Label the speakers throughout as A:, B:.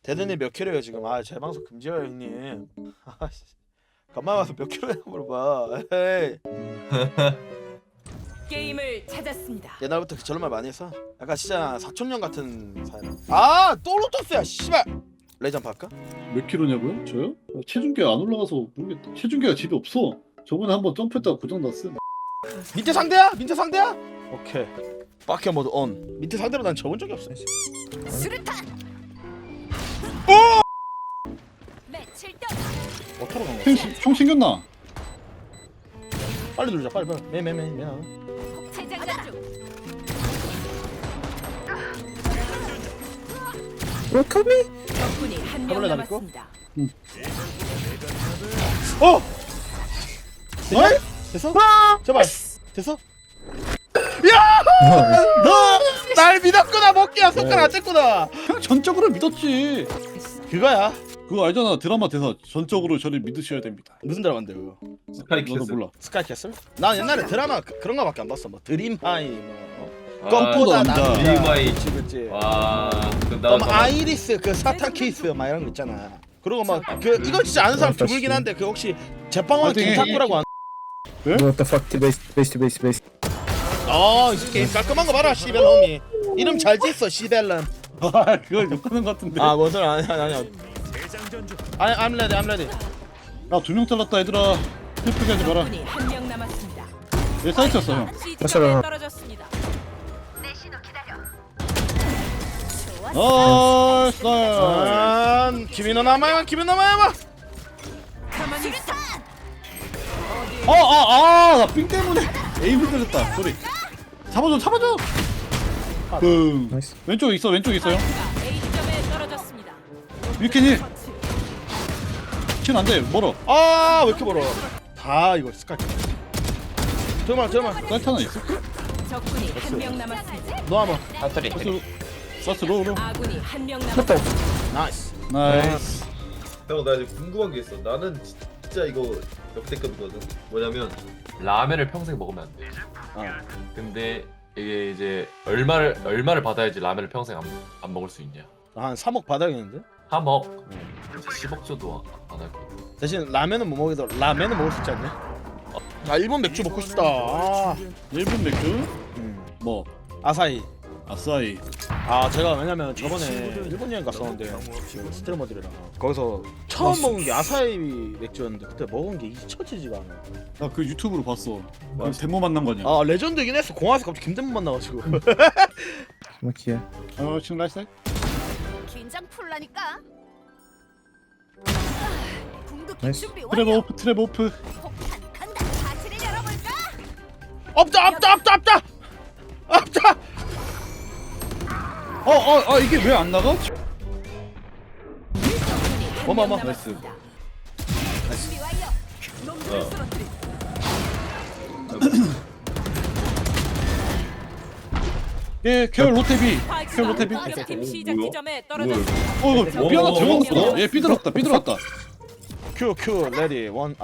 A: 대든이 몇 킬로예요 지금? 아 재방송 금지해요 형님. 아씨 간만 와서 몇 킬로냐 물어봐. 에이.
B: 게임을 찾았습니다.
A: 옛날부터 저런 말 많이 했어. 약간 진짜 사촌형 같은 사람. 아또 로터스야 씨발. 레전드 할까?
C: 몇 킬로냐고요? 저요? 체중계 안 올라가서 모르겠다. 체중계가 집에 없어. 저번에 한번 점프했다가 고장났어.
A: 밑에 상대야? 밑에 상대야? 오케이. 바퀴 모드 온. 밑에 상대로 난 접은 적이 없어.
B: 수류탄.
A: 오!
B: 며칠 전
A: 어터로 간 거야?
C: 총 챙겼나?
A: 빨리 누르자 빨리. 매매매.
B: 재장전 중. 적군이 한 명
A: 가볼래, 나 믿고?
B: 남았습니다.
A: 어! 됐냐? 됐어? 제발 됐어? 야! 날 믿었구나 먹기야 손가락 안 뗐구나.
C: 그냥 전적으로 믿었지.
A: 그거야.
C: 그거 알잖아. 드라마 대사. 전적으로 저를 믿으셔야 됩니다.
A: 무슨 드라마인데 그거?
D: 스카이
C: 너도
D: 키스.
C: 몰라.
A: 스카이캐슬? 난 옛날에 드라마 그런 거밖에 안 봤어. 뭐 드림하이 뭐
D: 아,
A: 껌보다
C: 남자.
D: 드림하이.
A: 그치 그치.
D: 와,
A: 껌 아이리스 그 사탄 키스 막 이런 거 있잖아. 그리고 막 그 이거 진짜 아는 사람 드물긴 한데 그 혹시 제빵왕
C: 파이팅.
A: 김탁구라고 안?
E: What the fuck? Base.
A: 이 게임 깔끔한 거 봐라 시벨 홈이. 이름 잘 지었어 시벨름.
C: 아, 그걸 욕하는 것 같은데.
A: 아 뭔 소리 아니야. I'm ready.
C: 야, 2명 잘랐다, 얘들아. 슬프게 하지 마라.
B: 적군이 한 명 남았습니다.
C: 얘 사이트였어, 형.
B: 시점에 떨어졌습니다.
C: 나이스, 나이스.
A: 김인호 남아야만.
B: 가만히 있어.
C: 나 삥 때문에 에임 흔들렸다. 소리. 잡아줘. 응.
E: 나이스.
C: 왼쪽에 있어요.
B: A 점에 떨어졌습니다.
C: 위켄이. 안 돼, 멀어.
A: 왜 이렇게 멀어? 다 이거 스카이. 잠깐만.
C: 사이트 하나 있어?
B: 적군이 한 명 남았습니다.
A: 너 한번.
C: 사스 로로.
B: 아군이 한 명 남았습니다.
A: 나이스.
C: 나이스.
D: 형, 나 이제 궁금한 게 있어. 나는 진짜 이거 역대급이거든. 뭐냐면 라면을 평생 먹으면 안 돼. 근데 이게 이제 얼마를 받아야지 라면을 평생 안 먹을 수 있냐?
A: 한 3억 받아야겠는데?
D: 3억. 10억 줘도 안 할게.
A: 대신 라면은 못 먹어도 라면은 먹을 수 있지 않냐? 일본 맥주 먹고 싶다.
C: 일본 맥주? 뭐?
A: 아사히.
C: 아싸이.
A: 제가 왜냐면 저번에 일본 여행 갔었는데 그 스트리머들이랑 거기서 처음 먹은 게 아사히 맥주였는데 그때 먹은 게 잊혀지지가 않아.
C: 나 그 유튜브로 봤어. 데모 만난 거냐?
A: 레전드이긴 했어. 공항에서 갑자기 김대문 만나가지고.
E: Look here.
C: 지금 라이스?
B: 긴장 풀라니까. 궁극기
E: 나이스.
B: 준비
C: 트랩
B: 완료.
C: 오프, 트랩 오프.
B: 폭탄 간다. 파티를 열어볼까?
A: 없다.
C: 이게 왜 안 나가?
A: 어머.
C: 나이스.
B: 준비 완료. 놈들을 쓰러뜨리.
C: 예, 케어 로테비. 케어 로테비.
B: 팀 시작
D: 뭐야?
B: 지점에 떨어졌습니다.
C: 삐하나 들어간 것보다. 얘 삐들었다.
A: 큐 레디 1 2 3.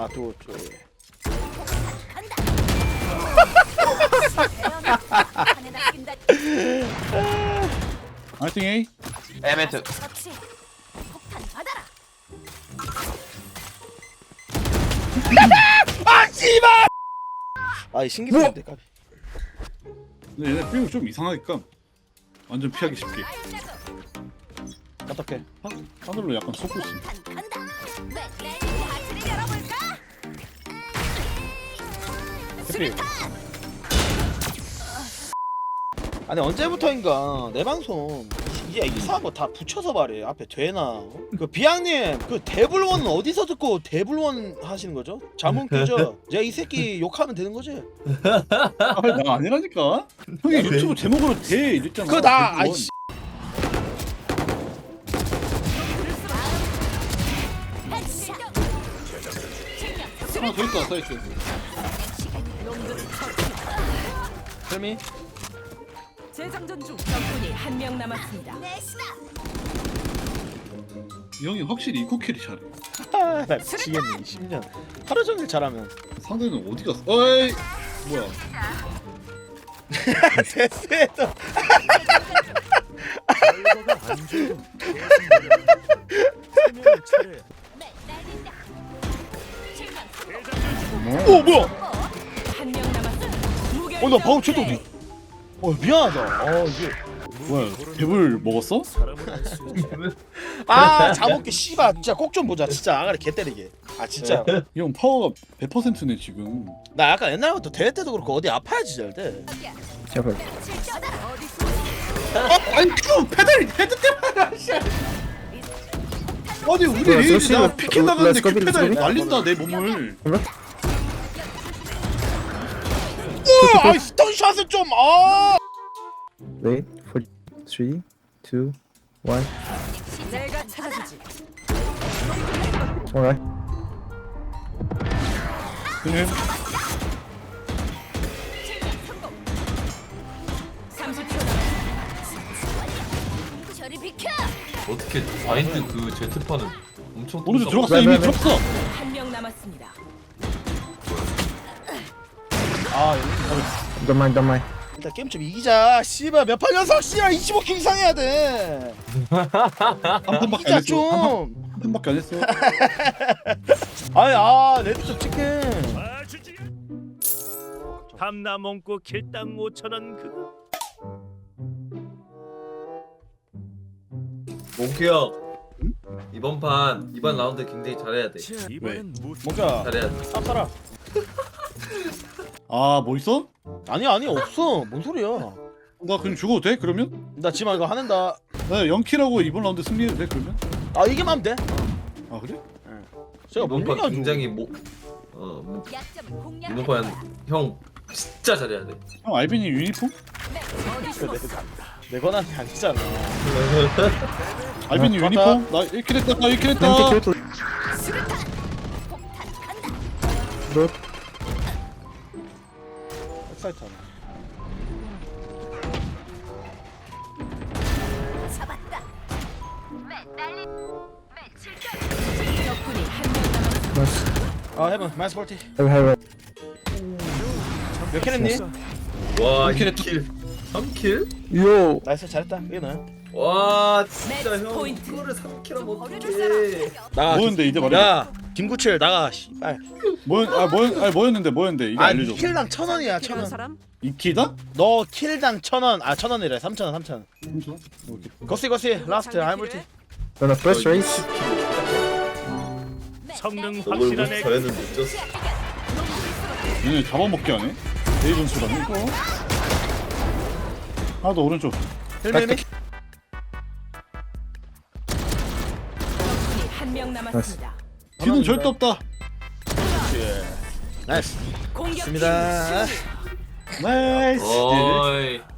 B: 판에 낚인다.
C: 아이팅 A.
D: 에메트.
B: 그렇지. 폭탄 받아라.
A: 씨발! 이 신기한데 까비.
C: 근데 얘네 삐우 좀 이상하니까 완전 피하기 쉽게.
A: 어떡해?
C: 하늘로 약간 솟고 있어.
B: 폭탄 간다. 파티를 열어볼까?
A: 해피. 아니 언제부터인가 내 방송 이게 이상한 거 다 붙여서 말해. 앞에 되나? 그 비양님 그 데블원은 어디서 듣고 데블원 하시는 거죠? 자문 끄죠? 제가 이 새끼 욕하면 되는 거지?
C: 나 아니라니까. 형이 유튜브 제목으로 대 이랬잖아.
A: 그거 나
C: 대부분.
A: 아이씨.
C: 하나 더 있다 사이트.
A: 헬미?
B: 재장전 중. 적군이 한 명 남았습니다.
C: 이 형이 확실히 이코킬이 잘해.
A: 나 미치겠네 10년 하루 종일 잘하면.
C: 상대는 어디 갔어? 어이 뭐야?
A: 됐어. 오 뭐야?
B: 한 명 남았습니다.
A: 나 방금 쟤도 미안하다. 이게
C: 뭐야 랩을 먹었어?
A: 자먹게 씨발 진짜 꼭 좀 보자. 진짜 아가리 개 때리게. 진짜.
C: 이 형 파워가 100%네 지금.
A: 나 약간 옛날부터 대회 때도 그렇고 어디 아파야지 잘 돼.
E: 제발.
C: 아니 그 페달이 헤드 때문에 씨. 아니 우리
E: 뭐야,
C: 레이지
E: 저
C: 나
E: 씨발,
C: 피켓 나가는데 그
E: 렛츠고,
C: 페달이
E: 렛츠고.
C: 날린다 내 몸을.
A: 우와, 스턴샷을 좀
E: Wait for 3, 2, 1.
B: 내가 찾아주지.
E: Alright.
C: 그냥
B: 30초 남았습니다.
F: 저리 비켜!
D: 어떻게 바인드 그 제트파는 엄청
C: 오른쪽
D: 뚫었어.
C: 들어갔어 이미
E: 네.
C: 들어갔어.
B: 한 명 남았습니다.
E: Don't mind.
A: 일단 게임 좀 이기자. 씨발 몇 판 연속 씨발 25킬 이상 해야 돼.
C: 한 판밖에
A: 이기자
C: 안 했어.
A: 좀.
C: 한 판밖에 안 했어.
A: 레드 좀 치킨.
G: 밤나 먹고 kil당 5,000원 그거.
D: 몽키 형 이번 라운드 굉장히 잘해야 돼.
G: 이번엔 무슨
A: 뭔가
D: 잘해야 돼.
A: 쌉싸라.
C: 뭐 있어?
A: 아니 없어. 뭔 소리야?
C: 나 그냥 죽어도 돼 그러면?
A: 나 지금 이거 하는다.
C: 나 0킬하고 이번 라운드 승리해도 돼 그러면?
A: 이기면 하면 돼.
C: 아 그래?
A: 제가 뭔
D: 이번 판
A: 얘기하죠?
D: 굉장히
F: 약점을 공략.
D: 이번 판 형 진짜 잘해야 돼.
C: 형 알빈이 유니폼?
B: 어디 숨었어?
A: 내 권한이 아니잖아.
C: 알빈이
A: 어,
C: 유니폼? 나 1킬 했다 나 1킬 했다.
E: Empty kill.
F: 폭탄 간다.
E: Good.
A: 엑사이트 하나.
F: 잡았다.
B: 적군이 한 명 남았습니다.
E: Nice.
A: 해본 마이스 볼티.
E: Have.
A: 몇 킬 했니?
D: 와
C: 3킬
D: 2킬 3킬?
E: Yo.
A: 나이스 잘했다. 이게 너야.
D: 와 진짜
B: 매치
D: 형
B: 포인트.
D: 이거를 3킬하면
F: 버려줄 사람.
D: 어떡해.
A: 나가.
C: 뭐였는데 이제 말해.
A: 야 김구칠 나가. 씨발.
C: 뭐였는데 이거 알려줘.
A: 킬당 1,000원이야
B: 필요한
A: 1,000원.
B: 사람?
C: 2킬다?
A: 너 킬당 1,000원. 1,000원이래. 3,000원 3,000원.
C: 오케이.
A: 거시 라스트 하이볼티.
E: On the first race.
G: 성능
D: 너를
G: 확실한 애
D: 잘했는데 졌어.
C: 얘네 잡아먹게 하네. 레이전 수라네. 하나 더 오른쪽.
A: 힐밀미.
B: 적군이 한 명 남았습니다.
C: 뒤는 절대 없다.
A: 나이스.
B: 공격
A: 좋습니다.
B: 승리.
C: 나이스.
D: 어이